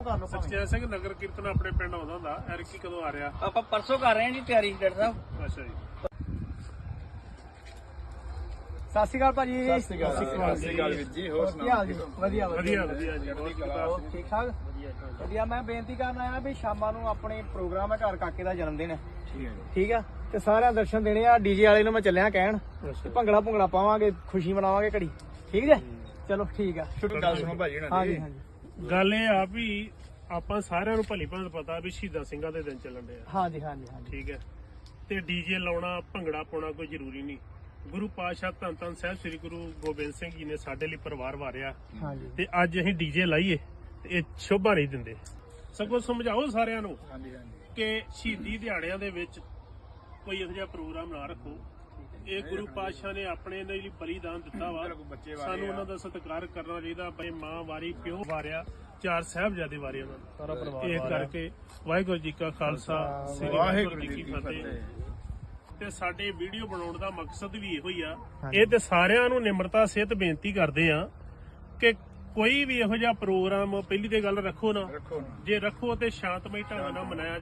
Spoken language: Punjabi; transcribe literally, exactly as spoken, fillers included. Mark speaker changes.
Speaker 1: ਸਚਿਆ ਸਿੰਘ ਨਗਰ ਕੀਰਤਨ ਆਪਣੇ ਪਿੰਡ ਆਉਂਦਾ ਹੁੰਦਾ। ਐਰਕੀ ਕਦੋਂ ਆ ਰਿਹਾ?
Speaker 2: ਆਪਾਂ ਪਰਸੋਂ ਕਰ ਰਹੇ ਹਾਂ ਜੀ ਤਿਆਰੀ ਡਾਕਟਰ ਸਾਹਿਬ।
Speaker 1: ਅੱਛਾ ਜੀ।
Speaker 3: ਸਤਿ ਸ਼੍ਰੀ ਅਕਾਲ ਭਾਜੀ।
Speaker 4: ਸਤਿ ਸ਼੍ਰੀ ਅਕਾਲ ਸਤਿ ਸ਼੍ਰੀ ਅਕਾਲ ਵੀਰ ਜੀ। ਹੋਰ
Speaker 3: ਕੀ ਹਾਲ ਜੀ?
Speaker 4: ਸੁਣਾਓ?
Speaker 3: ਵਧੀਆ
Speaker 1: ਵਧੀਆ ਵਧੀਆ ਜੀ। ਹੋਰ
Speaker 3: ਹੋਰ ਠੀਕ ਠਾਕ ਵਧੀਆ। ਮੈਂ ਬੇਨਤੀ ਕਰਨ ਆਇਆ ਵੀ ਸ਼ਾਮਾਂ ਨੂੰ ਆਪਣੇ ਪ੍ਰੋਗਰਾਮ ਹੈ ਘਰ ਕਾਕੇ ਦਾ ਜਨਮ ਦਿਨ ਹੈ।
Speaker 4: ਠੀਕ ਹੈ ਜੀ।
Speaker 3: ਠੀਕ ਆ ਤੇ ਸਾਰਿਆਂ ਦਰਸ਼ਨ ਦੇਣੇ ਆ। ਡੀਜੇ ਵਾਲੇ ਨੂੰ ਮੈਂ ਚੱਲਿਆ ਕਹਿਣ ਤੇ ਭੰਗੜਾ ਭੁੰਗੜਾ ਪਾਵਾਂਗੇ, ਖੁਸ਼ੀ ਮਨਾਵਾਂਗੇ ਘੜੀ। ਠੀਕ ਜੇ? ਚਲੋ ਠੀਕ ਆ।
Speaker 4: ਗੱਲ ਸੁਣੋ ਭਾਜੀ ਉਹਨਾਂ
Speaker 3: ਹਾਂਜੀ
Speaker 4: ਦੀ।
Speaker 3: ਹਾਂਜੀ
Speaker 1: ਗੱਲ ਇਹ ਆ ਵੀ ਆਪਾਂ ਸਾਰਿਆਂ ਨੂੰ ਭਲੀ ਭਾਂਤ ਪਤਾ ਵੀ ਸ਼ਹੀਦਾਂ ਸਿੰਘਾਂ ਦੇ ਦਿਨ ਚੱਲਣ ਦੇ ਆ।
Speaker 3: ਹਾਂਜੀ ਹਾਂਜੀ ਹਾਂਜੀ
Speaker 1: ਠੀਕ ਹੈ। ਤੇ ਡੀਜੇ ਲਾਉਣਾ ਭੰਗੜਾ ਪਾਉਣਾ ਕੋਈ ਜ਼ਰੂਰੀ ਨਹੀਂ। ਗੁਰੂ ਪਾਤਸ਼ਾਹ ਧੰਨ ਧੰਨ ਸਾਹਿਬ ਸ੍ਰੀ ਗੁਰੂ ਗੋਬਿੰਦ ਸਿੰਘ ਜੀ ਨੇ ਸਾਡੇ ਲਈ ਪਰਿਵਾਰ ਵਾਰਿਆ
Speaker 3: ਹਾਂਜੀ
Speaker 1: ਤੇ ਅੱਜ ਅਸੀਂ ਡੀਜੇ ਲਾਈਏ ਤੇ ਇਹ ਸ਼ੋਭਾ ਨਹੀਂ ਦਿੰਦੇ। ਸਗੋਂ ਸਮਝਾਓ ਸਾਰਿਆਂ ਨੂੰ
Speaker 4: ਹਾਂਜੀ ਹਾਂਜੀ
Speaker 1: ਕਿ ਸ਼ਹੀਦੀ ਦਿਹਾੜਿਆਂ ਦੇ ਵਿੱਚ ਕੋਈ ਇਹੋ ਜਿਹਾ ਪ੍ਰੋਗਰਾਮ ਨਾ ਰੱਖੋ। ਇਹ ਗੁਰੂ ਪਾਤਸ਼ਾਹ ਨੇ ਆਪਣੇ ਲਈ ਬਲੀਦਾਨ ਦਿੱਤਾ ਵਾ।
Speaker 4: ਬੱਚੇ ਵਾਰੇ
Speaker 1: ਸਾਨੂੰ ਉਹਨਾਂ ਦਾ ਸਤਿਕਾਰ ਕਰਨਾ ਚਾਹੀਦਾ। ਬਈ ਮਾਂ ਵਾਰੀ ਪਿਓ ਵਾਰਿਆ, ਚਾਰ ਸਾਹਿਬਜ਼ਾਦੇ ਵਾਰੇ ਉਹਨਾਂ ਨੇ।
Speaker 3: ਸਾਰਾ ਪਰਿਵਾਰ
Speaker 1: ਇਹ ਕਰਕੇ ਵਾਹਿਗੁਰੂ ਜੀ ਕਾ ਖਾਲਸਾ ਸ੍ਰੀ ਵਾਹਿਗੁਰੂ ਜੀ ਕੀ ਫਤਿਹ। ਤੇ ਸਾਡੇ ਵੀਡੀਓ ਬਣਾਉਣ ਦਾ ਮਕਸਦ ਵੀ ਇਹੋ ਹੀ ਆ। ਇਹ ਤੇ ਸਾਰਿਆਂ ਨੂੰ ਨਿਮਰਤਾ ਸਹਿਤ ਬੇਨਤੀ ਕਰਦੇ ਆ ਕਿ ਕੋਈ ਵੀ ਇਹੋ ਜਿਹਾ ਪ੍ਰੋਗਰਾਮ ਪਹਿਲੀ ਤੇ ਗੱਲ ਰੱਖੋ ਨਾ।
Speaker 4: ਰੱਖੋ ਨਾ।
Speaker 1: ਜੇ ਰੱਖੋ ਤੇ ਸ਼ਾਂਤਮਈ ਢੰਗ ਨਾਲ ਮਨਾਇਆ